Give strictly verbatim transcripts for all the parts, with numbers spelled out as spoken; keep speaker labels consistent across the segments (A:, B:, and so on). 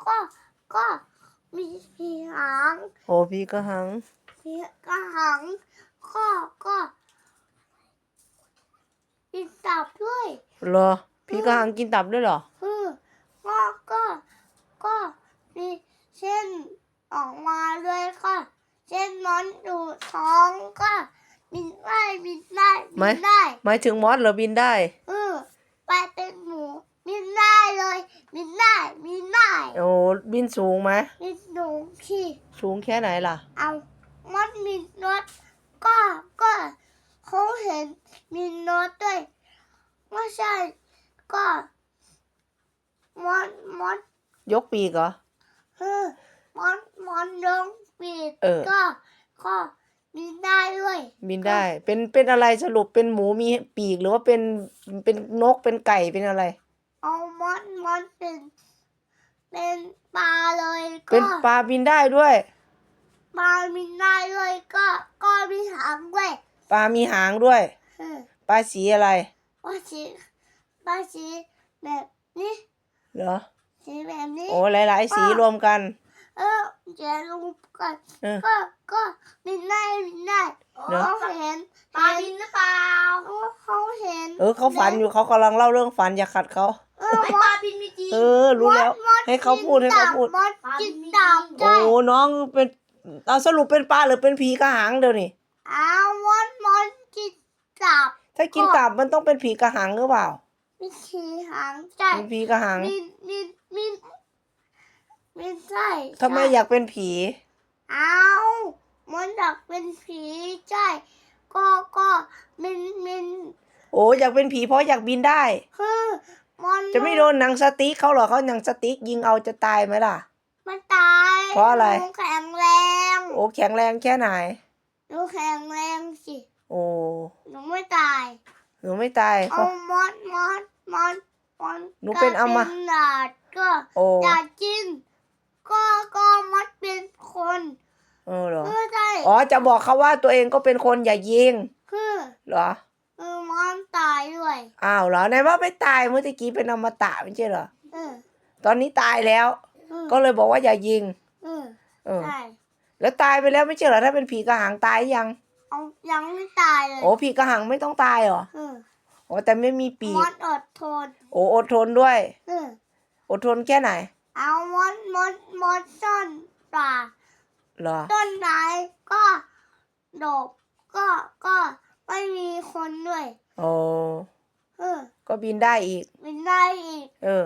A: ก็ก็มีผีหาง
B: โอ้ผีกระหัง
A: ผีกระหังก็ก็กินตับด้วย
B: เหรอผีกระหังกินตับด้วยเหรอ
A: อือก็ก็ก็มีเส้นออกมาด้วยก็เส้นมันอยู่ท้องก็บินได้บินได้บินได้
B: หมายถึงมอสเหรอบินได้
A: เออไปเป็นหมูบินได้เลยบินได้บินได้
B: โอ้บินสูงไหม
A: บินสูงขี่
B: สูงแค่ไหนล่ะ
A: เอามันมีรถก็ก็เขาเห็นมีรถด้วยไม่ใช่ก็มันมัน
B: ยกปีกเหรอ
A: เออมันมันยกปีกก็ก็บินได้ด้วย
B: บินได้เป็นเป็นอะไรสรุปเป็นหมูมีปีกหรือว่าเป็นเป็นนกเป็นไก่เป็นอะไร
A: เอามันมันเป็นเป็นปลาเลยก็
B: เป็นปลาบินได้ด้วย
A: ปลาบินได้ด้วยก็ก็มีหางด้วย
B: ปลามีหางด้วยปลาสีอะไร
A: ปลาสีปลาสีแบบนี้
B: เหรอ
A: สีแบบนี้
B: โอ้หลายๆสีรวมกัน
A: เออเดี๋ยวรวมกันก็ก็บินได้บินได้เขาเห็นปลาบินหรือเปล่าเขาเห็น
B: เออเขาฝันอยู่เขากำลังเล่าเรื่องฝันอย่าขัดเขา
A: เออปลาบินมีจริง
B: เออรู้แล้วให้เขาพูดให้เขาพูด
A: มดกินตับ
B: โอ้น้องเป็นเอาสรุปเป็นปลาหรือเป็นผีกระหังเดี๋ยวนี้
A: อ้าวมดมดกินตับ
B: ถ้ากินตับมันต้องเป็นผีกระหังหรือเปล่า
A: มีผีหางใช่
B: มีผีกระหัง
A: มีมีมีมีใช่
B: ทำไมอยากเป็นผี
A: อ้าวมันอยากเป็นผีใช่ก็ก็มินมิน
B: โอ้อยากเป็นผีเพราะอยากบินได้
A: คือมัน
B: จะไม่โดนหนังสติ๊กเขาหรอเขาหนังสติ๊กยิงเอาจะตายไหมล่ะ
A: ไม่ตาย
B: เพราะอะไร
A: หนูแข็งแรง
B: โอ้แข็งแรงแค่ไหน
A: หนูแข็งแรงสิ
B: โอ้
A: หนูไม่ตาย
B: หนูไม่ตาย
A: เอามดมดมดมด
B: หนูเป็นอม
A: ตะก็อยากกินก็ก็มดเป็นคน
B: เออเหรอ
A: คือใช่
B: อ๋อจะบอกเขาว่าตัวเองก็เป็นคนอย่ายิง
A: คือ
B: เหรอ
A: เออมันตายด้วย
B: อ้าวเหรอไหนว่าไม่ตายเมื่อกี้เป็นอมตะไม่ใช่เหรอ
A: เออ
B: ตอนนี้ตายแล้วก็เลยบอกว่าอย่ายิง
A: เออ
B: เออแล้วตายไปแล้วไม่ใช่เหรอถ้าเป็นผีกระหังตายยัง
A: เอายังไม่ตายเลย
B: โอ้ผีกระหังไม่ต้องตายเหรอ
A: เออ
B: โอ้แต่ไม่มีปีก
A: มดอดทน
B: โอ้อดทนด้วย
A: เออ
B: อดทนแค่ไหน
A: เอามดมดมดต้นป่า
B: เหรอ
A: ต้นไม้ก็ดกก็ก็ไม่มีคนด้วย
B: โอ้
A: เออ
B: ก็บินได้อีก
A: บินได้อีก
B: เออ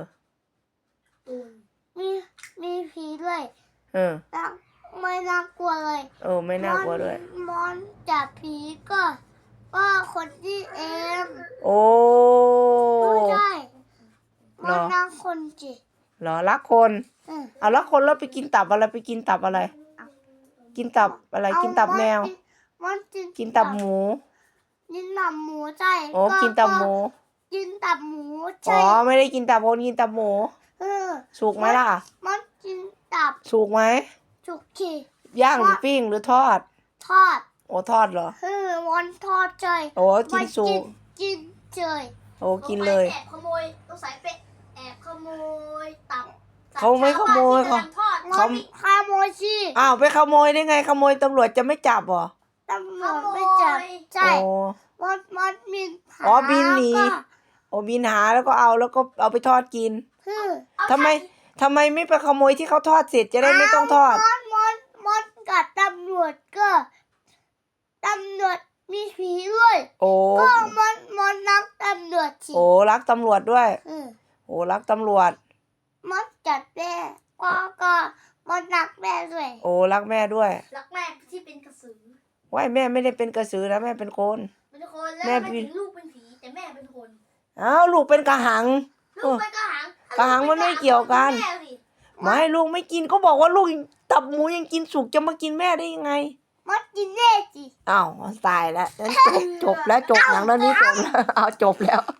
A: มีมีผีด้วย
B: เออ
A: ไม่น่ากลัวเลย
B: เออไม่น่ากลัวด้วย
A: มอนจับผีก็ก็คนที่เอง
B: โอ้
A: ไม่ใช่มันรักคนจิ
B: เหรอรักคนเอารักคนแล้วไปกินตับอะไรไปกินตับอะไรกินตับอะไรกินตับแมวกินตับหมู
A: กินตับหมูใช่
B: โอ้กินตับหมู
A: กินตับหมูใช่
B: อ๋อไม่ได้กินตับคนกินตับหมูสุกไหมล่ะ
A: มันกินตับ
B: สุกไหม
A: สุกขี่
B: ย่างหรือปิ้งหรือทอด
A: ทอด
B: โอ้ทอดเหรอ
A: เออมันทอดเฉย
B: โอ้กินสุก
A: กินเฉย
B: โอ้กินเลย
A: แอบขโมยต้องใส่เป็ดแอบขโมยตับ
B: เขาไม่ขโมยเขา
A: เขาขโมยสิ
B: อ้าวไปขโมยได้ไงขโมยตำรวจจะไม่จับหรอ
A: ตำรวจไม่จับใช่มดมดบิน
B: อ๋อบินหนีโอ้บินหาแล้วก็เอาแล้วก็เอาไปทอดกินทำไมทำไมไม่ไปขโมยที่เขาทอดเสร็จจะได้ไม่ต้องทอด
A: มดมดมดกับตำรวจก็ตำรวจมีผีด้วย
B: โอ้
A: ก็มดมดรักตำรวจสิ
B: โอ้รักตำรวจด้วยโอ้รักตำรวจ
A: มดจัดแม่ก็ก็มดรักแม่ด้วย
B: โอ้รักแม่ด้วย
A: รักแม่ที่เป็นกระสือ
B: ว่ายแม่ไม่ได้เป็นกระสือนะแม่เป็นคน
A: เป็นคนแล้วแม่เป็นลูกเป็นผีแต่แม่เป็นคน
B: อ้าวลูกเป็นกระหัง
A: ลูกเป็นกระหัง
B: กระหังมันไม่เกี่ยวกันไม่ลูกไม่กินก็บอกว่าลูกตับหมูยังกินสุกจะมากินแม่ได้ยังไง
A: มดกินแน่สิ
B: อ้าวตายแล้วจบจบแล้วจบหนังเรื่องนี้จบแล้วเอาจบแล้ว